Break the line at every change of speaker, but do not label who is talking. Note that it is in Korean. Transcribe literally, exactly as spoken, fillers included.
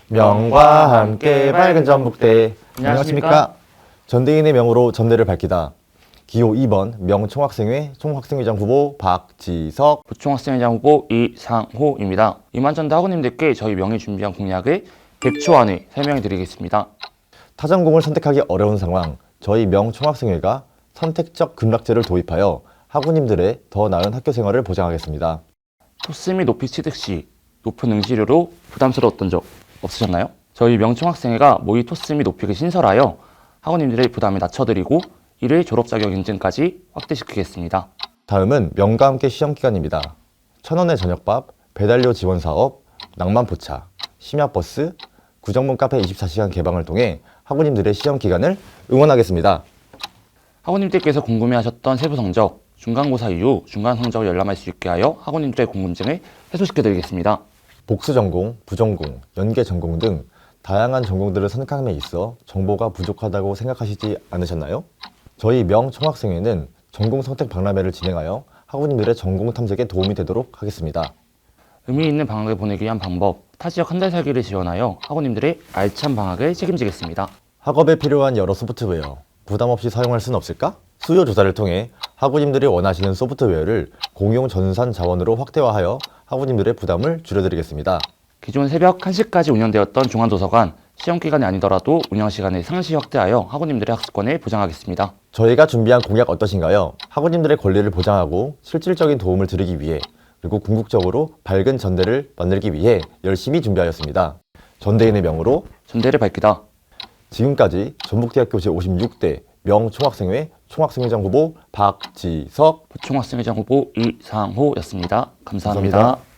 명과 함께 밝은 전북대.
안녕하십니까?
전대인의 명으로 전대를 밝히다. 기호 이 번 명총학생회 총학생회장 후보 박지석.
부총학생회장 후보 이상호입니다. 이만전대 학우님들께 저희 명예 준비한 공약을 백 초 안에 설명해 드리겠습니다.
타전공을 선택하기 어려운 상황, 저희 명총학생회가 선택적 급락제를 도입하여 학우님들의 더 나은 학교 생활을 보장하겠습니다.
토스 및 높이 취득 시 높은 응시료로 부담스러웠던 적 없으셨나요? 저희 명총학생회가 모의 토스 및 높이를 신설하여 학우님들의 부담을 낮춰드리고 이를 졸업자격 인증까지 확대시키겠습니다.
다음은 명과 함께 시험기간입니다. 천원의 저녁밥, 배달료 지원 사업, 낭만포차, 심야버스, 구정문 카페 이십사 시간 개방을 통해 학우님들의 시험기간을 응원하겠습니다.
학우님들께서 궁금해하셨던 세부 성적, 중간고사 이후 중간 성적을 열람할 수 있게 하여 학우님들의 궁금증을 해소시켜드리겠습니다.
복수전공, 부전공, 연계전공 등 다양한 전공들을 선택함에 있어 정보가 부족하다고 생각하시지 않으셨나요? 저희 명총학생회는 전공 선택 박람회를 진행하여 학우님들의 전공 탐색에 도움이 되도록 하겠습니다.
의미 있는 방학을 보내기 위한 방법, 타지역 한 달 살기를 지원하여 학우님들의 알찬 방학을 책임지겠습니다.
학업에 필요한 여러 소프트웨어, 부담 없이 사용할 수는 없을까? 수요 조사를 통해 학우님들이 원하시는 소프트웨어를 공용 전산 자원으로 확대화하여 학우님들의 부담을 줄여드리겠습니다.
기존 새벽 한 시까지 운영되었던 중앙도서관, 시험기간이 아니더라도 운영시간을 상시 확대하여 학우님들의 학습권을 보장하겠습니다.
저희가 준비한 공약 어떠신가요? 학우님들의 권리를 보장하고 실질적인 도움을 드리기 위해 그리고 궁극적으로 밝은 전대를 만들기 위해 열심히 준비하였습니다. 전대인의 명으로
전대를 밝히다.
지금까지 전북대학교 제오십육 대 명총학생회 총학생회장 후보 박지석.
부총학생회장 후보 이상호였습니다. 감사합니다.
감사합니다.